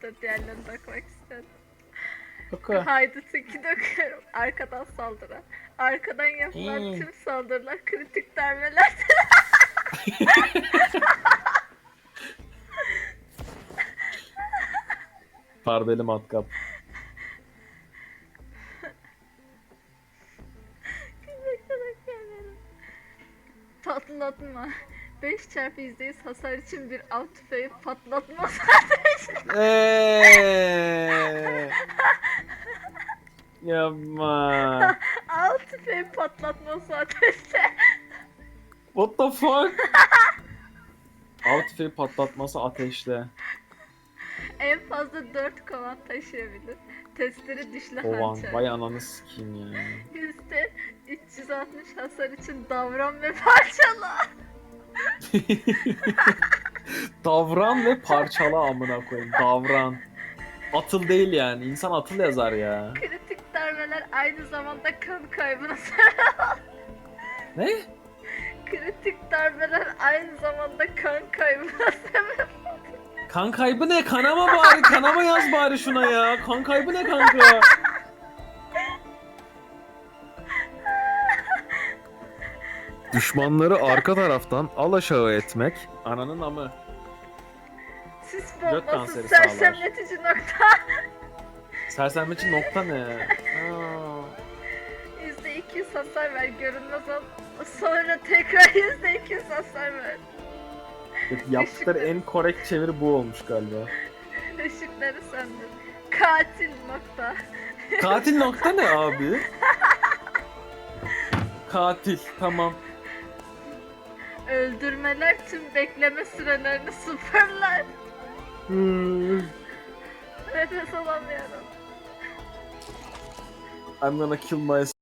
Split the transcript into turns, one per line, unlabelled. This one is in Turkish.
da diğerlerini de okumak istedim.
Oku.
Haydut'u döküyorum. Arkadan saldırı. Arkadan yapılan tüm saldırılar kritik darbeler.
Pardeli matkap.
Patlatma. 5 çarpı %100 hasar için bir av tüfeği patlatma.
Yapma.
Av tüfeği patlatması ateşte.
What the fuck? Av tüfeği patlatması ateşle.
En fazla 4 kovan taşıyabilir. Testleri dişli
Kovan.
hançer.
Vay ananı sikeyim ya.
%360 hasar için davran ve parçala.
Davran ve parçala amına koyayım. Davran. Atıl değil yani. İnsan atıl yazar ya.
Kritik darbeler aynı zamanda kan kaybına sebep.
Ne?
Kritik darbeler aynı zamanda kan kaybına sebep.
Kan kaybı ne? Kanama bari. Kanama yaz bari şuna ya. Kan kaybı ne kanka? Düşmanları arka taraftan alaşağı etmek. Ananın amı.
Sis
Gök
bombası
kanseri sağlar.
sersemletici nokta.
Sersemletici nokta ne? Aa.
%200 hasar ver görünmez ol. Sonra tekrar %200 hasar ver.
Yaptıkları en korrekt çeviri bu olmuş galiba.
Işıkları söndür. Katil nokta.
Katil nokta ne abi? Katil tamam.
Öldürmeler tüm bekleme sürelerini sıfırlar. Nefes alamıyorum.
I'm gonna kill myself.